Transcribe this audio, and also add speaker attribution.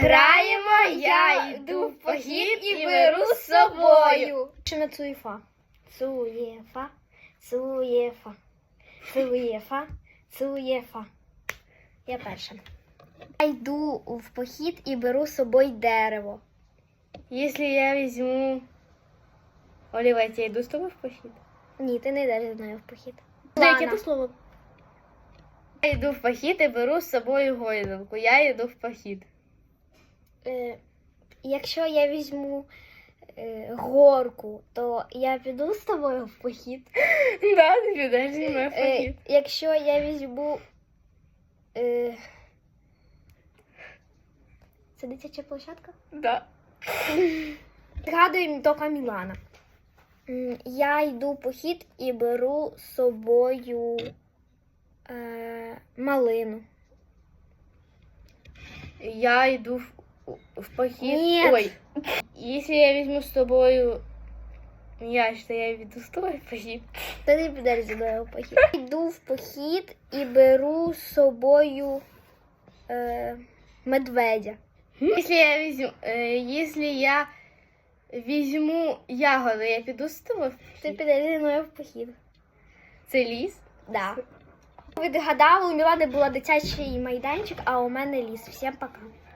Speaker 1: Граємо, я йду в похід і беру з собою.
Speaker 2: Пишемо цуєфа. Цуєфа, цуєфа, цуєфа, цуєфа. Я перша. Я йду в похід і беру з собою дерево.
Speaker 1: Якщо я візьму... Олівець, я йду з тобою в похід?
Speaker 2: Ні, ти не йдеш зі мною в похід.
Speaker 1: Яке то слово? Я йду в похід і беру з собою гойдалку. Я йду в похід.
Speaker 2: Якщо я візьму горку, то я піду з тобою в похід.
Speaker 1: Да, ти підеш зі мною в похід.
Speaker 2: Якщо я візьму... Це дитяча площадка?
Speaker 1: Да.
Speaker 2: Згадуємо тільки Мілана. Я йду в похід і беру з собою малину.
Speaker 1: Я йду в похід.
Speaker 2: Ні.
Speaker 1: Ой. Якщо я візьму з собою м'яч, то я йду з тобою в похід.
Speaker 2: Ти не підеш зі мною в похід. Я йду в похід і беру з собою медведя.
Speaker 1: Якщо я візьму ягоди, я піду з тобою.
Speaker 2: Ти підеш зі мною в похід.
Speaker 1: Це ліс?
Speaker 2: Да. Ви догадали, у Мілани була дитячий майданчик, а у мене ліс. Всім пока.